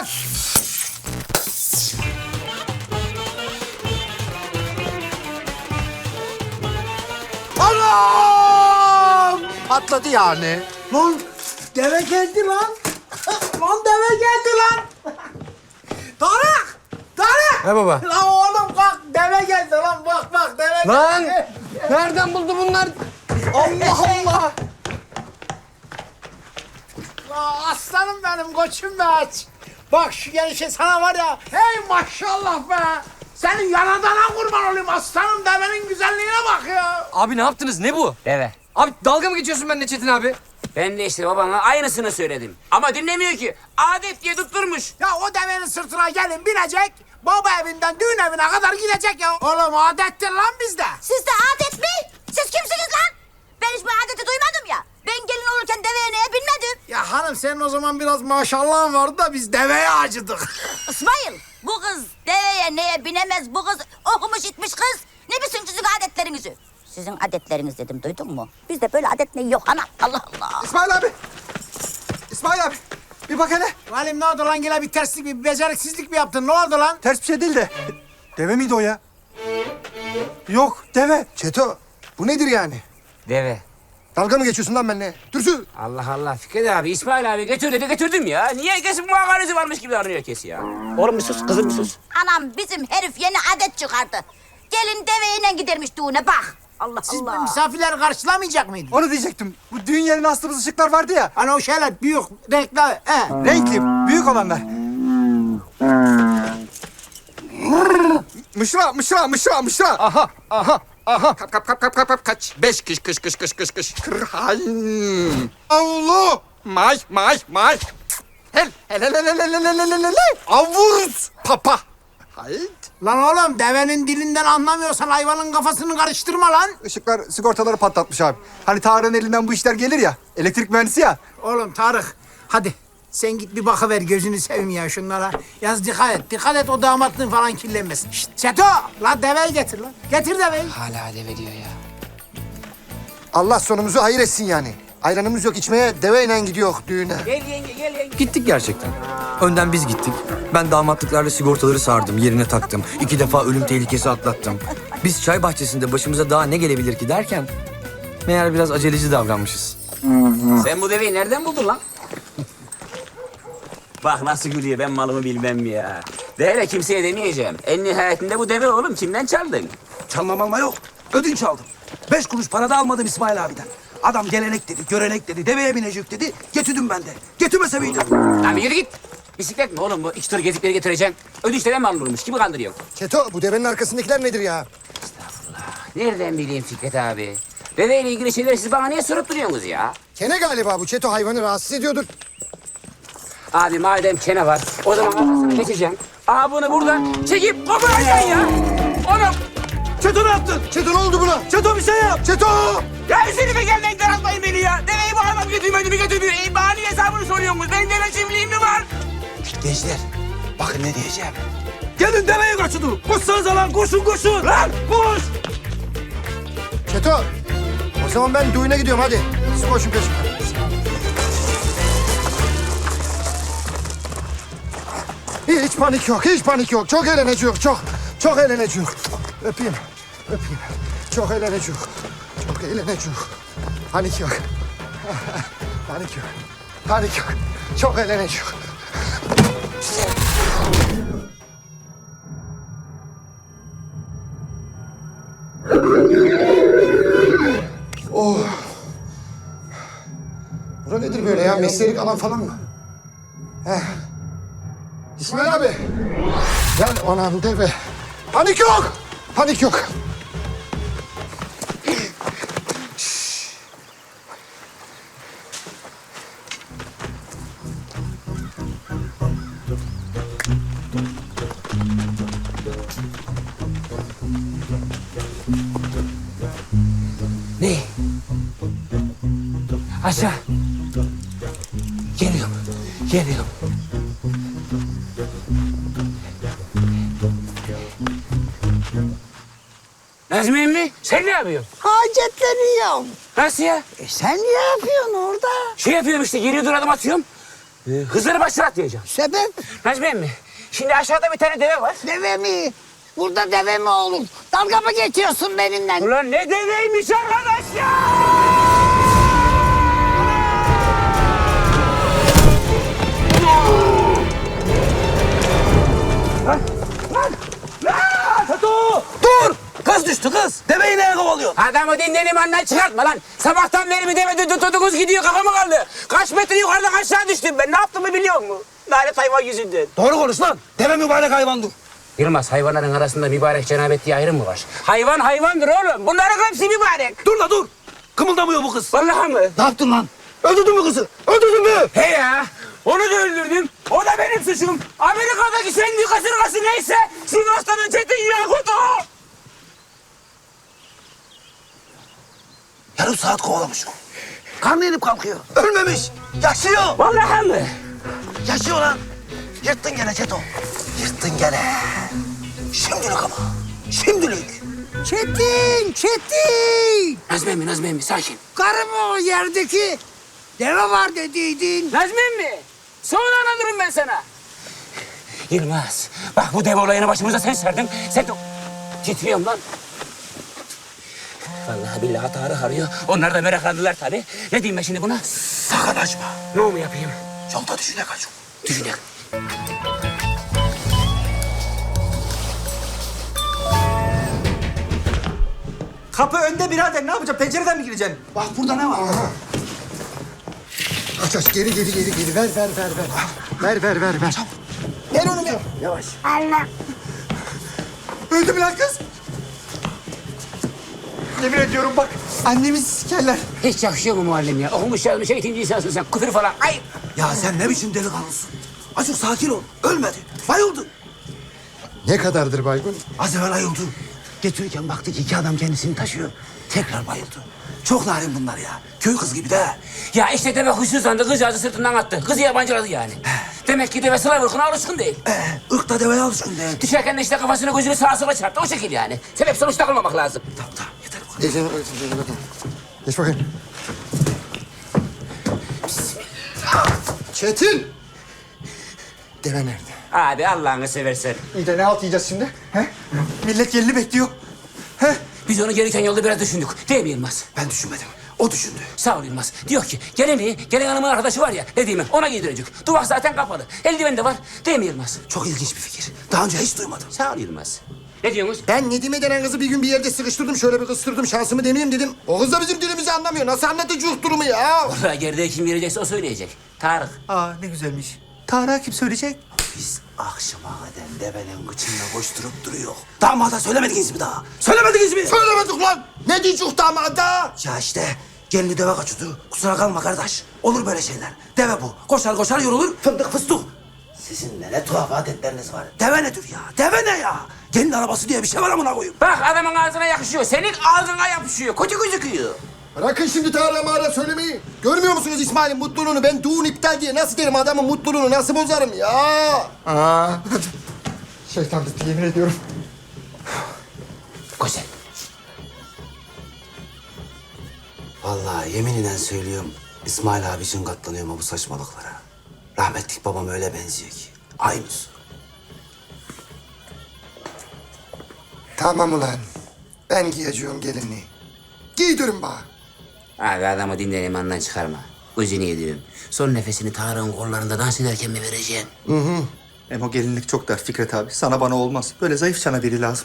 Anam! Patladı yani. Lan deve geldi lan. Lan deve geldi lan. Tarık! Tarık! Ne baba? Lan oğlum kalk deve geldi lan bak deve Lan! geldi. Nereden buldu bunlar? Allah Allah! Aa, aslanım benim koçum be aç. Bak şu gelişe sana var ya. Hey maşallah be. Senin yanadana kurban olayım aslanım devenin güzelliğine bak ya. Abi ne yaptınız? Ne bu? Deve. Abi dalga mı geçiyorsun benimle Çetin abi? Ben de işte babana aynısını söyledim. Ama dinlemiyor ki. Adet diye tutturmuş. Ya o devenin sırtına gelin binecek. Baba evinden düğün evine kadar gidecek ya. Oğlum adettir lan bizde. Sizde adet mi? Siz kimsiniz lan? Ben hiç bu adeti duymadım ya. Ben gelin olurken deveye neye binmedim. Ya hanım senin o zaman biraz maşallahın vardı da biz deveye acıdık. İsmail, bu kız deveye neye binemez. Bu kız okumuş itmiş kız. Ne bilsin sizin adetlerinizi? Sizin adetleriniz dedim, duydun mu? Bizde böyle adet ne yok ana. Allah Allah. İsmail abi! İsmail abi! Bir bak hele. Valim ne oldu lan yine bir terslik bir beceriksizlik mi yaptın ne oldu lan? Ters bir şey değil de. Deve miydi o ya? Yok, deve. Çeto, bu nedir yani? Deve. Dalga mı geçiyorsun lan benimle? Dürsün! Allah Allah Fikret abi, İsmail abi götür dedi götürdüm ya. Niye herkesin muhakaresi varmış gibi davranıyor herkes ya? Oğlum bir sus, kızım bir sus. Anam bizim herif yeni adet çıkardı. Gelin deveyle gidermiş düğüne bak. Allah Siz Allah. misafirleri karşılamayacak mıydınız? Onu diyecektim. Bu düğün yerine astığımız ışıklar vardı ya. Hani o şeyler büyük renkli Renkli, büyük olanlar. Mışra! Aha! Kap, kaç. 5 kış. Kırhayn. Avlu! May. Hel. Avuz! Papa! Hayt. Lan oğlum devenin dilinden anlamıyorsan hayvanın kafasını karıştırma lan. Işıklar sigortaları patlatmış abi. Hani Tarık'ın elinden bu işler gelir ya. Elektrik mühendisi ya. Oğlum Tarık hadi sen git bir bakıver gözünü seveyim ya şunlara. Yalnız dikkat et o damatlığın falan kirlenmesin. Şşt Seto lan deveyi getir lan. Getir deveyi. Hala deve diyor ya. Allah sonumuzu hayır etsin yani. Ayranımız yok içmeye, deveyle gidiyor düğüne. Gel yenge. Gittik gerçekten. Önden biz gittik. Ben damatlıklarla sigortaları sardım, yerine taktım. 2 defa ölüm tehlikesi atlattım. Biz çay bahçesinde başımıza daha ne gelebilir ki derken... meğer biraz aceleci davranmışız. Sen bu deveyi nereden buldun lan? Bak nasıl gülüyor, ben malımı bilmem mi ya. De hele kimseye demeyeceğim. En nihayetinde bu deve oğlum, kimden çaldın? Çalmam yok. Ödünç aldım. 5 kuruş para da almadım İsmail abiden. Adam gelenek dedi, görenek dedi, deveye binecek dedi. Getirdim ben de. Getirmese miydim? Lan bir yürü git. Bisiklet mi oğlum bu? 2 tur gezikleri getireceksin. Ödünçle mi alınırmış? Kimi kandırıyorsun? Çeto, bu devenin arkasındakiler nedir ya? Nereden bileyim Fikret abi? Deveyle ilgili şeyleri siz bana niye sorup duruyorsunuz ya? Kene galiba bu. Çeto hayvanı rahatsız ediyordur. Abi madem kene var, o zaman arkasını geçeceğim. Aa bunu buradan çekip koparacaksın ya. Oğlum. Çeto ne yaptın? Çeto ne oldu buna? Çeto bir şey yap. Çeto! Ya üzerime gelmeyin, daraltmayın beni ya. Deveyi bu adam götürmedi mi götürmüyor. Bana niye hesabını soruyorsunuz? Benim deve çiftliğim mi var? Gençler, bakın ne diyeceğim. Gelin deveyi kaçırın. Koşsanıza lan, koşun. Lan koş. Çeto! O zaman ben düğüne gidiyorum hadi. Siz koşun peşimden. Hiç panik yok. Çok eğleneceğiz, çok eğleneceğiz. Öpeyim. Çok eğleneceğiz. Panik yok. Panik yok. Çok eğleneceğiz. Oh. Bura nedir böyle ya? Mesleğilik alan falan mı? İsmail abi. Gel anam deve. Panik yok. Ne? Aşağı. Geliyorum. Nazmi emmi, sen ne yapıyorsun? Hacetleniyorum. Nasıl ya? Sen ne yapıyorsun orada? Şey yapıyorum işte, geriye dur adım atıyorum. Hızır'ı başına atlayacağım. Sebep? Necmi emmi, şimdi aşağıda bir tane deve var. Deve mi? Burada deve mi olur? Dalga mı geçiyorsun benimle? Ulan ne deveymiş arkadaş ya! Dur! Kız düştü kız. Deveyi neye kovalıyorsun? Adamı dinlenim andan çıkartma lan. Sabahtan beri bir deve tutudunuz gidiyor kafama kaldı. Kaç metre yukarıdan aşağı düştüm ben. Ne yaptığımı biliyor musun? Lanet hayvan yüzünden. Doğru konuş lan. Deve mübarek hayvandır. Yılmaz, hayvanların arasında mübarek cenabet diye ayrım mı var? Hayvan hayvandır oğlum. Bunların hepsi mübarek. Dur la dur. Kımıldamıyor bu kız. Vallahi mı? Ne yaptın lan? Öldürdün mü kızı? Öldürdün mü? He ya. Onu da öldürdüm. O da benim suçum. Amerika'daki sendi kasırgası neyse Sivas'tan Çetin Yakut o. Yarım saat kovalamış. Karnı inip kalkıyor. Ölmemiş. Yaşıyor. Vallahi mı? Yaşıyor lan. Yırttın gene Çeto. Yırttın gene. Şimdilik ama. Şimdilik. Çetin! Nazmi emmi sakin. Karı mı o yerdeki? Deve var dediydin. Nazmi emmi. Sonra anlatırım ben sana. Yılmaz. Bak bu dev olayını başımıza sen serdin. Sen de... Titriyorum lan. Vallahi billahi Tarık arıyor. Onlar da meraklandılar tabii. Ne diyeyim ben şimdi buna? Sakın açma. Ne mu yapayım? Yolda düşüne kaç. Düşünelim. Kapı önde birader, ne yapacağım? Pencereden mi gireceksin? Bak burada ne var? Aç aç geri ver. Ver. Ver onu ver. Yavaş. Öldü mü lan kız? Yemin ediyorum bak, annemi sikerler. Hiç yakışıyor mu muallim ya? Okumuş yazmış eğitimci insansın sen. Küfür falan. Ay! Ya sen ne biçim delikanlısın? Azıcık sakin ol. Ölmedi. Bayıldı. Ne kadardır baygın? Az evvel ayıldı. Getirirken baktık iki adam kendisini taşıyor. Tekrar bayıldı. Çok narin bunlar ya. Köy kız gibi de. Ya işte deve huysuzlandı. Kızcağızı sırtından attı. Kızı yabancıladı yani. Demek ki deve sıla vurkuna alışkın değil. Irkta deveye alışkın değil. Düşerken de işte kafasını gözünü sağa sola çarptı. O şekil yani. Sebep sonuç takılmamak lazım. Tamam yeter bu kadar. Geç bakayım. Çetin! Deve nerede? Abi Allah'ını seversen. İyi de ne halt yiyeceğiz şimdi? He? Millet gelini bekliyor. He? Biz onu gelirken yolda biraz düşündük. Değil mi Yılmaz? Ben düşünmedim. O düşündü. Sağ ol Yılmaz. Diyor ki gelin hanımın arkadaşı var ya dediğimi ona giydirecek. Duvak zaten kapalı. Eldiven de var. Değil mi Yılmaz? Çok ilginç bir fikir. Daha önce hiç duymadım. Sağ ol Yılmaz. Ne diyorsunuz? Ben Nedime denen kızı bir gün bir yerde sıkıştırdım. Şöyle bir kıstırdım. Şansımı deneyeyim dedim. O kız da bizim dilimizi anlamıyor. Nasıl anlatacak durumu ya? Vallahi geride kim gelecekse o söyleyecek. Tarık. Aa ne güzelmiş. Tarık'a kim söyleyecek? Biz akşama kadar devenin kıçında koşturup duruyor. Damada söylemediniz mi daha? Söylemediniz mi? Söylemedik lan. Ne diyecek damada? Ya işte gelini deve kaçırdı. Kusura kalma kardeş. Olur böyle şeyler. Deve bu. Koşar koşar yorulur. Fındık fıstık. Sizin ne tuhaf adetleriniz var. Deve nedir ya? Deve ne ya? Gelin arabası diye bir şey var amına koyayım. Bak adamın ağzına yakışıyor. Senin ağzına yapışıyor. Kötü gözüküyor. Bırakın şimdi Tarık'a mağara söylemeyi. Görmüyor musunuz İsmail'in mutluluğunu? Ben düğün iptal diye nasıl derim adamın mutluluğunu nasıl bozarım ya? Aa. Şeytan bitti yemin ediyorum. Güzel. Vallahi yeminle söylüyorum. İsmail abi için katlanıyorum bu saçmalıklara. Rahmetlik babam öyle benziyor ki. Aynısı. Tamam ulan. Ben giyeceğim gelinliği. Giydirin bana. Abi adamı dinleyelim andan çıkarma. Özünü yediyorum. Son nefesini Tarık'ın kollarında dans ederken mi vereceksin? Hem o gelinlik çok dar Fikret abi. Sana bana olmaz. Böyle zayıf çana biri lazım.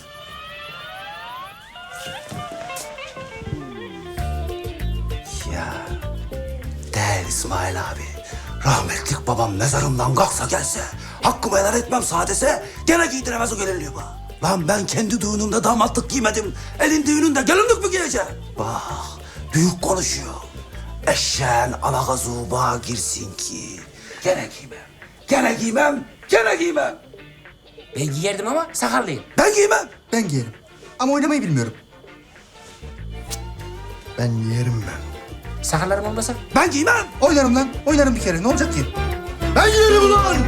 Ya değil İsmail abi. Rahmetlik babam mezarımdan kalksa gelse, hakkımı helal etmem sadese, gene giydiremez o gelinliği bana. Lan ben kendi düğünümde damatlık giymedim. Elin düğününde gelinlik mi giyeceğim? Bak, büyük konuşuyor. Eşeğin alakazu bağa girsin ki. Gene giymem. Ben giyerdim ama sakallıyım. Ben giymem. Ben giyerim. Ama oynamayı bilmiyorum. Ben yerim ben. Sakallarım olmasa? Ben giymem. Oynarım lan. Oynarım bir kere. Ne olacak ki? Ben yerim ulan!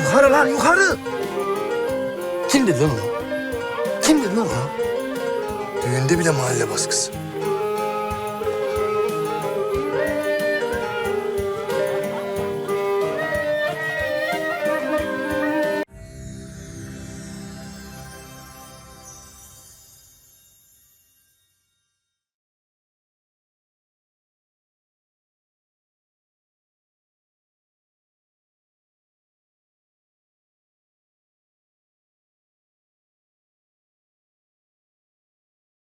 Yukarı lan yukarı. Kim dedi lan onu? Kim dedi lan onu? Düğünde bile mahalle baskısı.